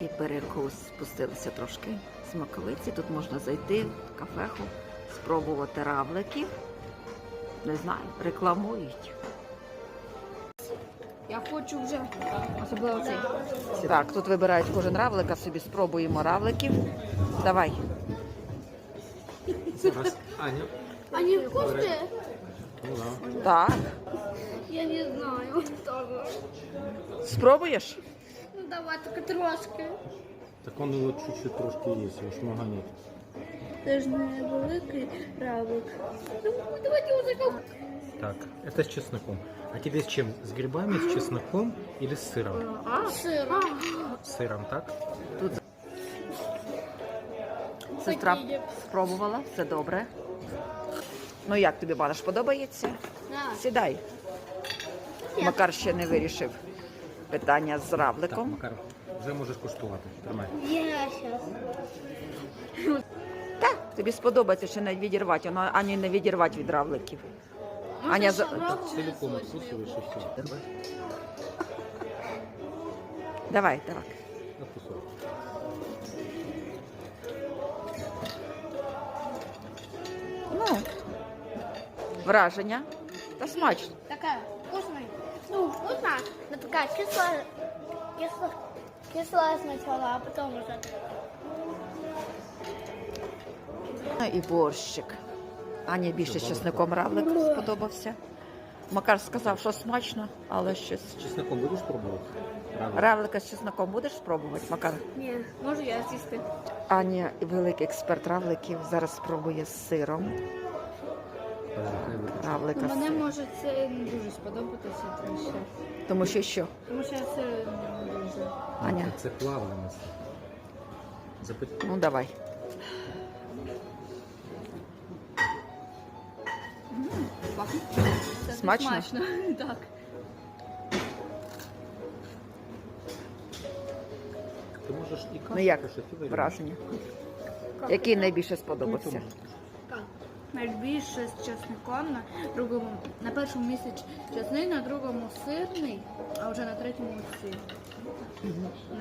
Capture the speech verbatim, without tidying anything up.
І перекус, спустилися трошки з Маковиці. Тут можна зайти в кафеху, спробувати равликів. Не знаю, рекламують. Я хочу вже, особливо цей. Так, тут вибирають кожен равлика, собі спробуємо равликів. Давай. Зараз Аня. Они вкусные? Ну да. Так. Я не знаю. Спробуєш? Ну давай, только трошки. Так он вот чуть-чуть трошки есть, его шмага нет. Це ж не великий равлик. Ну, давайте уже как... Так, это с чесноком. А тебе с чем? С грибами, с чесноком или с сыром? А, сыра. С сыром, так? Сестра спробувала, все добре. Ну як тобі, Банаш, подобається? Да. Сідай. Макар ще не вирішив питання з Так, равликом. Макар, вже можеш куштувати. Тримай. Я сейчас. Так, тобі сподобається ще навіть відірвати, воно ані не відірвати від равликів. Аня, за- Так, целиком откусываешь и все. Давай. давай, давай. На кусок. Ну, враження. Та смачно. Такая вкусная. Ну, вкусная, но такая кислая. Кисло, кислая сначала, а потом уже. Ну і борщик. Ані більше з чесником равлик сподобався. Макар сказав, що смачно, але щось. С чесноком будешь пробовать? Рано. Равлика з чесником будеш спробувати, Макар? Не, можу я з'їсти. Аня, великий експерт равликів, зараз спробує з сиром. Подожди, хай виключу. Равлика з Мене сиром. може це не дуже сподобатися, тому що, Тому що що? тому що я це не дуже. Аня, Це плавленість. Запит... ну давай. Пахне. Це Смачно? смачно. Так. Ти можеш і кашу Ну як кушати, і варіант. враження? Який найбільше сподобався? Найбільше з чесником, на другому, на першому місці чесник, на другому сирний, а вже на третьому сир.